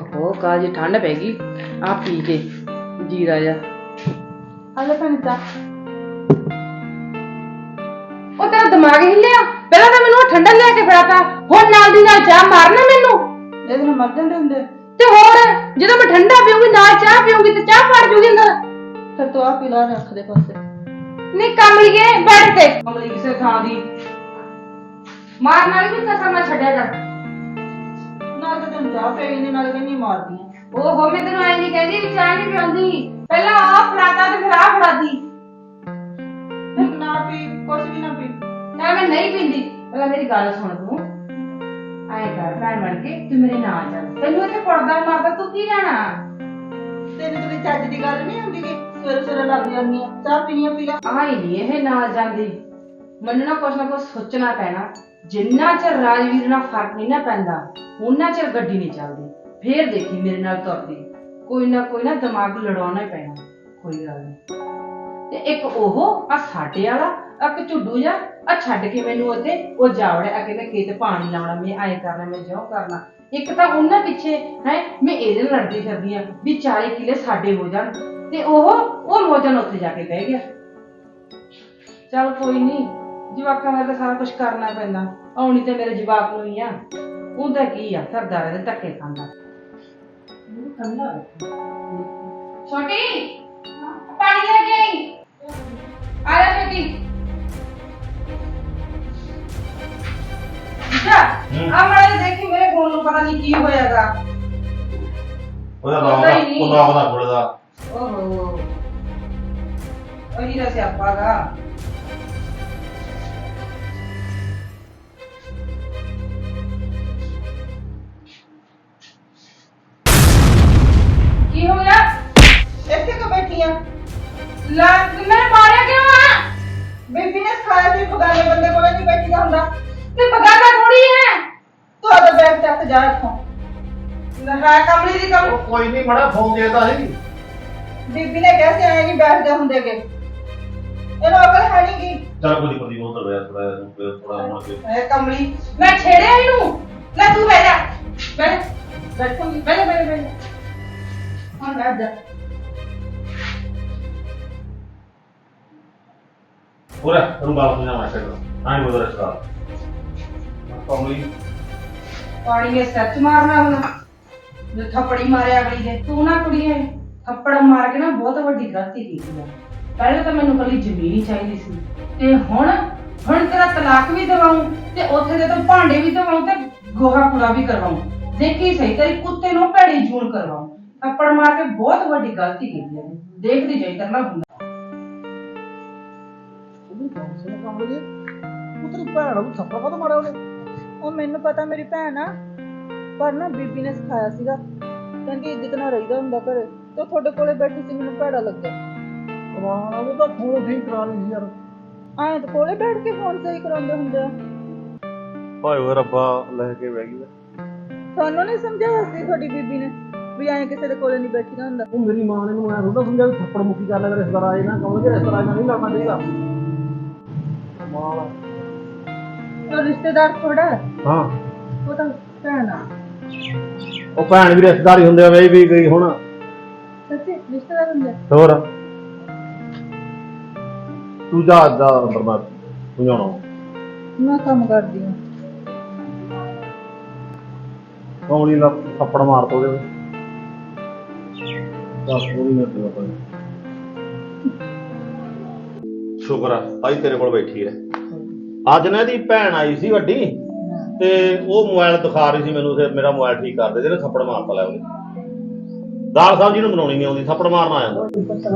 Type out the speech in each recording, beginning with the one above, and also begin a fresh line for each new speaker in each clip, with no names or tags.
ओहो काजी ठंड पैगी आ पी के जीरा जा
हले पंचा
ओ तेरा दिमाग हिलिया पहला तो मैनू ठंडा लिया के फड़ाता हुण नाल दी नाल चाह मारना मैनू
ਇਹਦੇ ਨਾਲ ਮਰ ਜਾਂਦੇ ਹੁੰਦੇ
ते होर जदों मैं ठंडा पीऊंगी नाल चाह पीऊंगी ते चाह फाड़ जूगी अंदर
ਫਿਰ ਤੂੰ ਆ ਪੀ ਲਾ ਰੱਖ ਦੇ ਪਾਸੇ
नहीं कमलिए बैठ ते कमली किसे थां दी मार नाल भी कसम ना छड्या कर
ਨਾਲ ਤਾਂ ਤੈਨੂੰ ਚਾਹ ਪਈ ਨਹੀਂ ਨਾਲ ਕਹਿੰਦੀ ਮਾਰਦੀਆਂ
ओहो मैं तेनू ऐ नहीं कहंदी भी चाह नहीं पीऊंगी पहला आ फड़ाता ते फिर आ फड़ादी
ਤੇ ਨਾ ਪੀ ਕੁਛ ਵੀ ਨਾ ਪੀ
ना मैं नहीं पींदी पहला मेरी गल सुन तू आए कर भैन बन के तू मेरे नाल चल तेनू इत्थे पड़दा मारदा तू की लेना
ਤੈਨੂੰ ਕੋਈ ਚੱਜ ਦੀ ਗੱਲ ਨਹੀਂ ਹੁੰਦੀ ਕਿ ਸਵੇਰੇ ਸਵੇਰੇ ਲੱਗ ਜਾਂਦੀਆਂ ਚਾਹ ਪੀਣੀਆਂ ਪੀ ਲਾ
आई नहीं ਇਹ ਨਾਲ ਜਾਂਦੀ ਮੈਨੂੰ ਨਾ ਕੁਛ ਸੋਚਣਾ ਪੈਣਾ ਜਿੰਨਾ ਚਿਰ ਰਾਜਵੀਰ ਨਾਲ ਫਰਕ ਨਹੀਂ ਨਾ ਪੈਂਦਾ ਉਹਨਾਂ ਚਿਰ ਗੱਡੀ ਨਹੀਂ ਚੱਲਦੀ ਫੇਰ ਦੇਖੀ ਮੇਰੇ ਨਾਲ ਤੁਰਦੀ ਕੋਈ ਨਾ ਦਿਮਾਗ ਲੜਾਉਣਾ ਹੀ ਪੈਣਾ ਕੋਈ ਗੱਲ ਨਹੀਂ ਤੇ ਇੱਕ ਉਹ ਆ ਸਾਡੇ ਵਾਲਾ ਇੱਕ ਝੁੱਡੂ ਜਾ ਆ ਛੱਡ ਕੇ ਮੈਨੂੰ ਉੱਥੇ ਉਹ ਜਾਵੜਿਆ ਆ ਕਹਿੰਦਾ ਖੇਤ ਪਾਣੀ ਲਾਉਣਾ ਮੈਂ ਐਂ ਕਰਨਾ ਮੈਂ ਜੋ ਕਰਨਾ ਇੱਕ ਤਾਂ ਉਹਨਾਂ ਪਿੱਛੇ ਹੈ ਮੈਂ ਇਹਦੇ ਨਾਲ ਲੜਦੀ ਫਿਰਦੀ ਆ ਵੀ 40 ਕਿੱਲੇ ਸਾਡੇ ਹੋ ਜਾਣ ਤੇ ਉਹ ਮੋਜਨ ਉੱਥੇ ਜਾ ਕੇ ਬਹਿ ਗਿਆ ਚੱਲ ਕੋਈ ਨਹੀਂ ਜਵਾਕਾਂ ਦਾ ਤਾਂ ਸਾਰਾ ਕੁਝ ਕਰਨਾ ਪੈਂਦਾ ਆਉਣੀ ਤੇ ਮੇਰੇ ਜਵਾਕ ਨੂੰ ਹੀ ਆ ਉਹਦਾ ਕੀ ਆ ਕਰਦਾ ਰਹੇ ਧੱਕੇ ਖਾਂਦਾ ਛੋਟੀ ਪਾਣੀ ਲੈ ਕੇ ਆਈ ਆ ਜਾ ਛੋਟੀ ਜਾ ਆ ਮਾਰੇ ਦੇਖੀ ਮੇਰੇ ਫੋਨ ਨੂੰ ਪਤਾ ਨਹੀਂ ਕੀ ਹੋਇਆਗਾ
ਉਹਦਾ ਦਾ ਖੁੱਲਦਾ
ਓਹੋ ਉਹੀ ਦਾ ਸਿਆਪਾ ਗਾ ਕੀ ਹੋ ਗਿਆ
ਇੱਥੇ ਕਿ ਬੈਠੀਆਂ
ਮੈਂ ਮਾਰਿਆ ਕਿਉਂ ਆ
ਬੀਬੀ ਨੇ ਸਿਖਾਇਆ ਸੀ ਬਗਾਨੇ ਬੰਦੇ ਕੋਲੇ ਨਹੀਂ ਬੈਠੀਦਾ ਹੁੰਦਾ
ਤੇ ਬਗਾਨਾ ਥੋੜੀ ਹੈ
ਤੂੰ ਆਦਾ ਬੈਗ ਚੱਕ ਜਾ ਇੱਥੋਂ
ਹੈ ਕਮਲੀ ਦੀ ਕਮ
ਉਹ ਕੋਈ ਨਹੀਂ ਮੜਾ ਫੋਨ ਦੇਦਾ ਸੀ
ਬੀਬੀ ਨੇ ਕਿਹਾ ਸੀ ਐ ਨਹੀਂ ਬੈਠਦੇ ਹੁੰਦੇਗੇ ਇਹਨੂੰ ਅਕਲ ਹੈ ਨਹੀਂ ਕੀ
ਚੱਲ ਕੋਈ ਨਹੀਂ ਉਧਰ ਬੈਠ ਥੋੜਾ ਮੁੜ ਕੇ
ਹੈ ਕਮਲੀ ਮੈਂ ਛੇੜਿਆ ਇਹਨੂੰ ਲੈ ਤੂੰ ਬਹਿ ਜਾ ਬੈਠੂਗੀ ਬਹਿ ਜਾ
ਹੁਣ ਬੈਠ ਜਾ
ਹੋਰ ਤੈਨੂੰ ਬਾਤ ਸਮਝਾਉਣਾ ਚਾਹੀਦਾ ਆਈ ਬੋਲ ਰਿਹਾ ਕਮਲੀ
ਪਾਣੀ ਦੇ ਸੱਚ ਮਾਰਨਾ ਹੁਣ ਜੋ ਥੱਪੜੀ ਮਾਰਿਆ ਅਗਲੀ ਦੇ ਤੂੰ ਨਾ ਕੁੜੀਏ ਥੱਪੜ ਮਾਰ ਕੇ ਨਾ ਬਹੁਤ ਵੱਡੀ ਗਲਤੀ ਕੀਤੀ ਆ ਪਹਿਲਾਂ ਤਾਂ ਮੈਨੂੰ ਕੱਲੀ ਜ਼ਮੀਨ ਹੀ ਚਾਹੀਦੀ ਸੀ ਤੇ ਹੁਣ ਤੇਰਾ ਤਲਾਕ ਵੀ ਦਿਵਾਉਂ ਤੇ ਉੱਥੇ ਦੇ ਤਾਂ ਭਾਂਡੇ ਵੀ ਦਿਵਾਉਂ ਤੇ ਗੋਹਾ ਕੂੜਾ ਵੀ ਕਰਵਾਉਂ ਦੇਖੀ ਸਹੀ ਤੇਰੀ ਕੁੱਤੇ ਨੂੰ ਭੈੜੀ ਜੂਣ ਕਰਵਾਉਂ ਥੱਪੜ ਮਾਰ ਕੇ ਬਹੁਤ ਵੱਡੀ ਗਲਤੀ ਕੀਤੀ ਆ ਦੇਖਦੀ ਜਾਈ ਕਰਨਾ ਹੁੰਦਾ
ਤੇਰੀ ਭੈਣ ਨੂੰ ਥੱਪੜ ਕਦੋਂ ਮਾਰਿਆ ਉਹਨੇ ਉਹ ਮੈਨੂੰ ਪਤਾ ਮੇਰੀ ਭੈਣ ਆ ਪਰ ਨਾ ਬੀਬੀ ਨੇ ਸਿਖਾਇਆ ਸੀਗਾ ਕਹਿੰਦੀ ਇੱਜ਼ਤ ਨਾਲ ਰਹੀਦਾ ਹੁੰਦਾ ਘਰੇ ਤੇ ਤੁਹਾਡੇ ਕੋਲੇ ਬੈਠੀ ਸੀ ਮੈਨੂੰ ਭੈੜਾ ਲੱਗਾ
ਕਮਾਣਾ ਉਹ ਤਾਂ ਫੋਨ ਠੀਕ ਕਰਾ ਲਈ ਯਾਰ
ਆਏ ਤਾਂ ਕੋਲੇ ਬੈਠ ਕੇ ਫੋਨ ਸਹੀ ਕਰਾਉਂਦੇ ਹੁੰਦੇ ਆ
ਭਾਈ ਉਹ ਰੱਬਾ ਲੈ ਕੇ ਬਹਿ ਗਈ
ਤੁਹਾਨੂੰ ਨਹੀਂ ਸਮਝਾਇਆ ਸੀ ਤੁਹਾਡੀ ਬੀਬੀ ਨੇ ਵੀ ਐਂ ਕਿਸੇ ਦੇ ਕੋਲੇ ਨਹੀਂ ਬੈਠੀਦਾ ਹੁੰਦਾ
ਉਹ ਮੇਰੀ ਮਾਂ ਨੇ ਮੈਨੂੰ ਐਂ ਥੋੜਾ ਸਮਝਿਆ ਵੀ ਥੱਪੜ ਮੁੱਕੀ ਕਰ ਲੈ ਰਿਸ਼ਤੇਦਾਰ ਆਏ ਨਾ ਕਹੋਗੇ ਰਿਸ਼ਤੇਦਾਰ ਨਾਲ ਨਹੀਂ ਲੜਨਾ ਚਾਹੀਦਾ ਮਾਂ
ਉਹ ਰਿਸ਼ਤੇਦਾਰ ਥੋੜਾ
ਹਾਂ
ਉਹ ਤਾਂ ਭੈਣ ਆ
ਉਹ ਭੈਣ ਵੀ ਰਿਸ਼ਤੇਦਾਰ ਹੀ ਹੁੰਦੇ ਆ ਬਈ ਵੀ ਗਈ ਹੁਣ
ਸੱਚੀ ਰਿਸ਼ਤੇਦਾਰ ਹੁੰਦੇ
ਹੋਰ ਤੂੰ ਜਾ ਦਾ ਬਰਬਾਦ ਸਮਝਾਉਣਾ
ਮੈਂ ਕੰਮ ਕਰਦੀ ਹਾਂ
ਕੌਣੀ ਦਾ ਥੱਪੜ ਮਾਰ ਤੋ ਉਹਦੇ ਦੱਸ ਪੂਰੀ ਨਾ ਤੇ ਪਤਾ
ਸ਼ੁਕਰ ਆ ਭਾਈ ਤੇਰੇ ਕੋਲ ਬੈਠੀ ਹੈ ਅੱਜ ਨਾ ਇਹਦੀ ਭੈਣ ਆਈ ਸੀ ਵੱਡੀ ਤੇ ਉਹ ਮੋਬਾਈਲ ਦਿਖਾ ਰਹੀ ਸੀ ਮੈਨੂੰ ਤੇ ਮੇਰਾ ਮੋਬਾਈਲ ਠੀਕ ਕਰ ਦੇ ਜਿਹਨੇ ਥੱਪੜ ਮਾਰਤਾ ਲੈ ਉਹਨੇ ਦਾਲ ਸਾਹਿਬ ਜੀ ਨੂੰ ਬਣਾਉਣੀ ਨਹੀਂ ਆਉਂਦੀ ਥੱਪੜ ਮਾਰਨਾ ਆ ਜਾਂਦਾ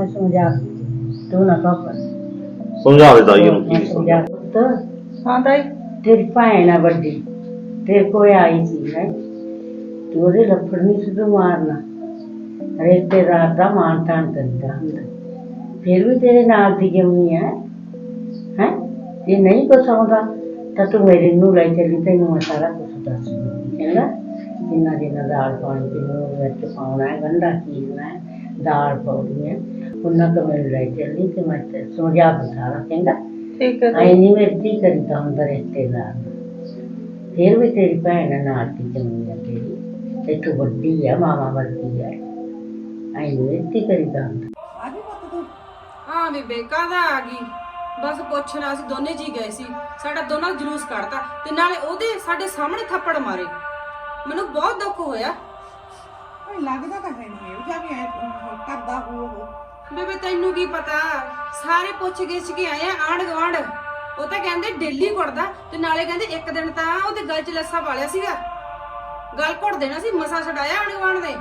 ਸਮਝਾ ਦੇ ਦਾਈ ਨੂੰ ਕੀ ਸਮਝਾ
ਹਾਂ ਤਾਈ
तेरी भैन है बड़ी तेरे को आई थी है तू ओदे लफड़ नहीं सुध मारना रिश्तेदार दा मान तान करता हुंदा फिर भी तेरे नाल दी जमी है जे नहीं कुछ आउंदा तां तू मेरे नूं ले चली तैनूं मैं सारा कुछ दस दूंगी चंगा जिन्ना जिन्ना दाल पानी तैनूं विच पाउणा है गंढा चीरना है दाल पाउणी है उन्ना तो मेरे ले चली ते मैं समझा सारा चंगा
ठीक है
आई नहीं मेरी करीदा हुंदा रिश्तेदार फिर भी तेरी भैन नाल की जमी है तेरी ਇੱਥੋਂ ਵੱਡੀ ਆ ਮਾਮਾ ਵਰਗੀ ਆ ਐਂ ਨੀ ਕਰੀਦਾ ਹੁੰਦਾ।
ਆ ਗਈ ਪੁੱਤ ਤੂੰ?
ਹਾਂ ਬੇਬੇ ਕਾਹਦਾ ਆ ਗਈ, ਬਸ ਪੁੱਛਣਾ ਅਸੀਂ ਦੋਨੇ ਜੀ ਗਏ ਸੀ, ਸਾਡਾ ਦੋਨਾਂ ਦਾ ਜਲੂਸ ਕੱਢਤਾ ਤੇ ਨਾਲੇ ਉਹਦੇ ਸਾਡੇ ਸਾਹਮਣੇ ਥੱਪੜ ਮਾਰੇ। ਮੈਨੂੰ ਬਹੁਤ ਦੁੱਖ ਹੋਇਆ।
ਓਏ ਲੱਗਦਾ ਤਾਂ ਹੈ ਨਹੀਂ ਇਹ ਵੀ ਐ ਕਰਦਾ ਹੋ
ਬੇਬੇ ਤੈਨੂੰ ਕੀ ਪਤਾ, ਸਾਰੇ ਪੁੱਛ ਗਿੱਛ ਕੇ ਆਏ ਆ ਆਂਢ ਗੁਆਂਢ। ਉਹ ਤਾਂ ਕਹਿੰਦੇ ਡੇਲੀ ਕੁੱਟਦਾ ਤੇ ਨਾਲੇ ਕਹਿੰਦੇ ਇੱਕ ਦਿਨ ਤਾਂ ਉਹਦੇ ਗਲ 'ਚ ਲੱਸਾ ਪਾਲਿਆ ਸੀਗਾ, ਗਲ ਘੁੱਟ ਦੇਣਾ ਸੀ, ਮਸਾ ਛਡਾਇਆ ਆਂਢ ਗੁਆਂਢ ਦੇ।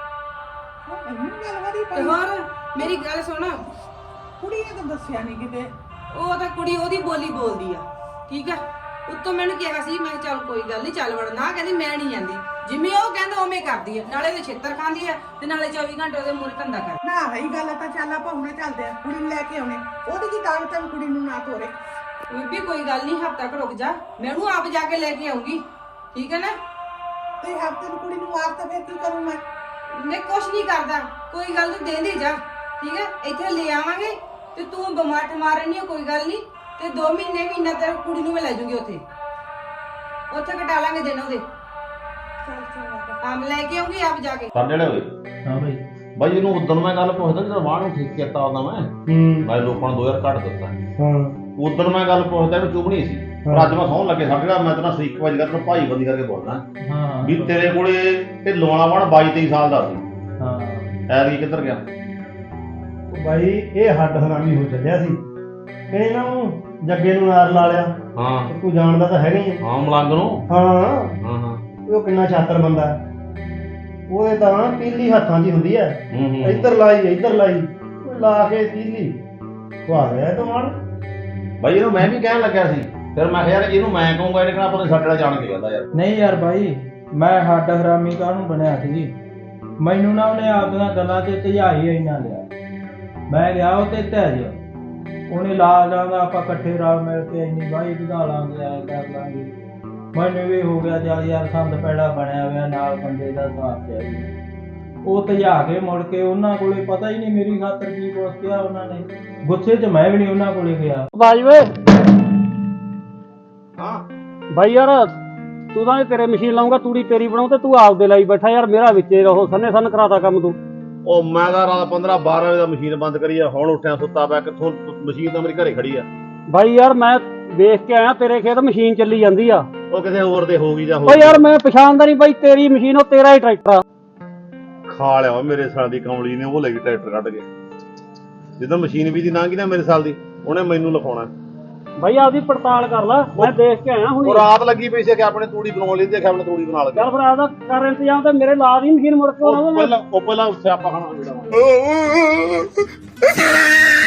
ਇੰਨੀ ਗੱਲ ਵਾਦੀ
ਤੇ ਹੋਰ ਮੇਰੀ ਗੱਲ ਸੁਣ,
ਕੁੜੀ ਨੇ ਤਾਂ ਦੱਸਿਆ ਨਹੀਂ ਕਿਤੇ।
ਉਹ ਤਾਂ ਕੁੜੀ ਉਹਦੀ ਬੋਲੀ ਬੋਲਦੀ ਆ, ਠੀਕ ਆ। ਉੱਤੋਂ ਮੈਨੂੰ ਕਿਹਾ ਸੀ, ਮੈਂ ਕਿਹਾ ਚੱਲ ਕੋਈ ਗੱਲ ਨਹੀਂ ਚੱਲ ਵੜ, ਨਾ ਕਹਿੰਦੀ ਮੈਂ ਨਹੀਂ ਜਾਂਦੀ, ਜਿਵੇਂ ਉਹ ਕਹਿੰਦਾ ਉਵੇਂ ਕਰਦੀ ਆ, ਨਾਲੇ ਉਹਦੇ ਛਿੱਤਰ ਖਾਂਦੀ ਆ ਤੇ ਨਾਲੇ 24 ਘੰਟੇ ਉਹਦੇ ਮੂਹਰੇ ਧੰਦਾ ਕਰ।
ਨਾ ਹੈ ਗੱਲ ਤਾਂ ਚੱਲ ਆਪਾਂ ਹੁਣੇ ਚੱਲਦੇ ਆ, ਕੁੜੀ ਨੂੰ ਲੈ ਕੇ ਆਉਣੇ। ਉਹਦੀ ਕੀ ਤਾਕਤ ਹੈ ਕੁੜੀ ਨੂੰ ਨਾ ਤੋਰੇ।
ਬੀਬੀ ਕੋਈ ਗੱਲ ਨਹੀਂ, ਹਫ਼ਤਾ ਕੁ ਰੁਕ ਜਾ, ਮੈਂ ਉਹਨੂੰ ਆਪ ਜਾ ਕੇ ਲੈ ਕੇ ਆਉਂਗੀ, ਠੀਕ ਹੈ ਨਾ।
ਤੇ ਹਫਤੇ ਨੂੰ ਕੁੜੀ ਨੂੰ ਮਾਰ ਤਾਂ ਫਿਰ ਕੀ ਕਰੂੰ
ਮੈਂ ਕੁਛ ਨਹੀਂ ਕਰਦਾ, ਕੋਈ ਗੱਲ ਨਹੀਂ, ਦੇ ਜਾ, ਠੀਕ ਹੈ। ਇੱਥੇ ਲੈ ਆਵਾਂਗੇ ਤੇ ਤੂੰ ਬਿਮਾਰ ਠਮਾਰ ਨਹੀਂ, ਕੋਈ ਗੱਲ ਨਹੀਂ, ਤੇ 2 ਮਹੀਨਾ ਤੇਰੇ ਕੁੜੀ ਨੂੰ ਮੈਂ ਲੈ ਜੂਗੀ ਉੱਥੇ ਕਟਾ ਲਾਂਗੇ ਦਿਨ ਉਹਦੇ। ਆਮ ਲੈ ਕੇ ਆਉਂਗੀ ਆਪ ਜਾ ਕੇ।
ਕਰ ਜਿਹੜੇ ਹੋਏ
ਹਾਂ ਬਾਈ।
ਬਾਈ ਇਹਨੂੰ ਉਦੋਂ ਮੈਂ ਗੱਲ ਪੁੱਛਦਾ ਜਦੋਂ ਵਾਹ ਨੂੰ ਠੀਕ ਕੀਤਾ ਉਹਦਾ ਮੈਂ ਲੋਕਾਂ ਨੂੰ 2000 ਘੱਟ ਦਿੱਤਾ।
ਹਾਂ
ਉਦੋਂ ਮੈਂ ਗੱਲ ਪੁੱਛਦਾ ਵੀ ਚੁਗਣੀ ਸੀ, ਪਰ ਅੱਜ ਮੈਂ ਸੌਣ ਲੱਗੇ ਸਾਡੇ ਮੈਂ ਤਾਂ ਸਰੀਕ ਵਜ ਕਰ ਭਾਈ ਬੰਦੀ ਕਰਕੇ ਬੋਲਦਾ
ਹਾਂ
ਵੀ ਤੇਰੇ ਕੋਲੇ ਢਿੱਲੋਂ ਵਾਲਾ ਵਣ 22-23 ਸਾਲ ਦਾ ਸੀ,
ਹਾਂ
ਐਤਕੀ ਕਿੱਧਰ ਗਿਆ?
ਬਾਈ ਇਹ ਹੱਡ ਹਰਾਮੀ ਹੋ ਚੱਲਿਆ ਸੀ, ਕਹਿੰਦੇ ਨਾ ਉਹ ਜੱਗੇ ਨੂੰ ਨਾਰ ਲਾ ਲਿਆ।
ਹਾਂ
ਤੂੰ ਜਾਣਦਾ ਤਾਂ ਹੈਗਾ ਹੀ ਆ।
ਹਾਂ ਮਲੰਗ ਨੂੰ।
ਹਾਂ
ਹਾਂ ਹਾਂ
ਉਹ ਕਿੰਨਾ ਛਾਤਰ ਬੰਦਾ ਹੈ। ਉਹਦੇ ਤਾਂ ਪੀਲੀ ਹੱਥਾਂ 'ਚ ਹੀ ਹੁੰਦੀ ਹੈ,
ਹੂੰ
ਇੱਧਰ ਲਾਈ ਉਹ ਲਾ ਕੇ ਪੀਲੀ ਖਵਾ ਗਿਆ ਇਹ ਤਾਂ ਮਾਰ।
ਬਾਈ ਇਹਨੂੰ ਮੈਂ ਵੀ ਕਹਿਣ ਲੱਗਿਆ ਸੀ, ਫਿਰ ਮੈਂ ਕਿਹਾ ਯਾਰ ਇਹਨੂੰ ਮੈਂ ਕਹੂੰਗਾ, ਇਹਨੇ ਕਿਹਾ ਪਤਾ ਸਾਡੇ ਨਾਲ ਜਾਣ ਕੇ ਕਹਿੰਦਾ ਯਾਰ।
ਨਹੀਂ ਯਾਰ ਭਾਈ, ਮੈਂ ਹੱਡ ਹਰਾਮੀ ਕਾਹਨੂੰ ਬਣਿਆ ਸੀ? ਮੈਨੂੰ ਨਾ ਉਹਨੇ ਆਪਦੀਆਂ ਗੱਲਾਂ 'ਚ ਧਿਆਈ ਇੰਨਾ ਲਿਆ। ਮੈਂ ਗਿਆ ਉਹ ਤੇ ਤਹਿਜ, ਉਹਨੇ ਲਾ ਲਾਂਗਾ ਆਪਾਂ ਇਕੱਠੇ ਰਲ ਮਿਲ ਕੇ ਇੰਨੀ ਬਾਈ ਵਧਾ ਲਾਂਗੇ, ਐ ਕਰ ਲਾਂਗੇ। ਮੈਨੂੰ ਵੀ ਹੋ ਗਿਆ ਚੱਲ ਯਾਰ ਸੰਦ ਪੈੜਾ ਬਣਿਆ ਹੋਇਆ, ਨਾਲ ਬੰਦੇ ਦਾ ਸਾਥ ਚਾਹੀਦਾ। ਉਹ ਧਿਆ ਕੇ ਮੁੜ ਕੇ ਉਹਨਾਂ ਕੋਲੇ ਪਤਾ ਹੀ ਨਹੀਂ ਮੇਰੀ ਖਾਤਰ ਕੀ ਕੁਛ ਕਿਹਾ ਉਹਨਾਂ ਨੇ। ਗੁੱਸੇ 'ਚ ਮੈਂ ਵੀ ਨਹੀਂ ਉਹਨਾਂ ਕੋਲੇ ਗਿਆ।
ਬਾਈ ਵੇ
ਹਾਂ
ਬਾਈ ਯਾਰ, ਤੂੰ ਤਾਂ ਤੇਰੇ ਮਸ਼ੀਨ ਲਾਉਂਗਾ, ਤੂੜੀ ਤੇਰੀ ਬਣਾਉ ਤੇ ਤੂੰ ਆਪਦੇ ਲਈ ਬੈਠਾ ਯਾਰ, ਮੇਰਾ ਵਿੱਚੇ ਰਹੋ ਸੰਨ ਕਰਾਤਾ ਕੰਮ ਤੂੰ।
ਉਹ ਮੈਂ ਤਾਂ ਰਾਤ 15-12 ਵਜੇ ਦਾ ਮਸ਼ੀਨ ਬੰਦ ਕਰੀ ਆ, ਹੁਣ ਉੱਠਿਆ ਸੁੱਤਾ ਪਿਆ, ਕਿੱਥੋਂ ਮਸ਼ੀਨ ਤਾਂ ਮੇਰੀ ਘਰੇ ਖੜੀ ਆ।
ਬਾਈ ਯਾਰ ਮੈਂ ਵੇਖ ਕੇ ਆਇਆ ਤੇਰੇ ਖੇਤ ਮਸ਼ੀਨ ਚੱਲੀ ਜਾਂਦੀ ਆ।
ਉਹ ਕਿਸੇ ਹੋਰ ਦੇ ਹੋਊਗੀ ਜਾਂ
ਓ ਯਾਰ ਮੈਂ ਪਛਾਣਦਾ ਨਹੀਂ ਬਾਈ, ਤੇਰੀ ਮਸ਼ੀਨ ਉਹ ਤੇਰਾ ਹੀ ਟਰੈਕਟਰ ਆ।
ਖਾ ਲਿਆ ਮੇਰੇ ਸਾਲ ਦੀ ਕਮਲੀ ਨੇ, ਉਹ ਲੈ ਗਈ ਟਰੈਕਟਰ ਕੱਢ ਕੇ। ਜਦੋਂ ਮਸ਼ੀਨ ਵੀ ਦੀ ਲੰਘੀ ਨਾ ਮੇਰੇ ਸਾਲ ਦੀ, ਉਹਨੇ ਮੈਨੂੰ ਲਿਖਾਉਣਾ।
ਬਾਈ ਆਪਦੀ ਪੜਤਾਲ ਕਰ ਲੈ, ਮੈਂ ਦੇਖ ਕੇ ਆਇਆ ਹੁਣ।
ਉਹ ਰਾਤ ਲੱਗੀ ਪਈ ਸੀ ਕਿ ਆਪਣੇ ਤੂੜੀ ਬਣਾਉਣ ਲਈ, ਦੇਖਿਆ ਆਪਣੇ ਤੂੜੀ ਬਣਾ ਲਈ।
ਚੱਲ ਫਿਰ ਆਪਦਾ ਕਰ ਇੰਤਜ਼ਾਮ, ਤੇ ਮੇਰੇ ਲਾ ਦੀ ਮਸ਼ੀਨ ਮੁੜ ਕੇ ਉਹਨਾਂ
ਉਹ ਪਹਿਲਾਂ ਸਿਆਪਾ ਖਾਣਾ ਜਿਹੜਾ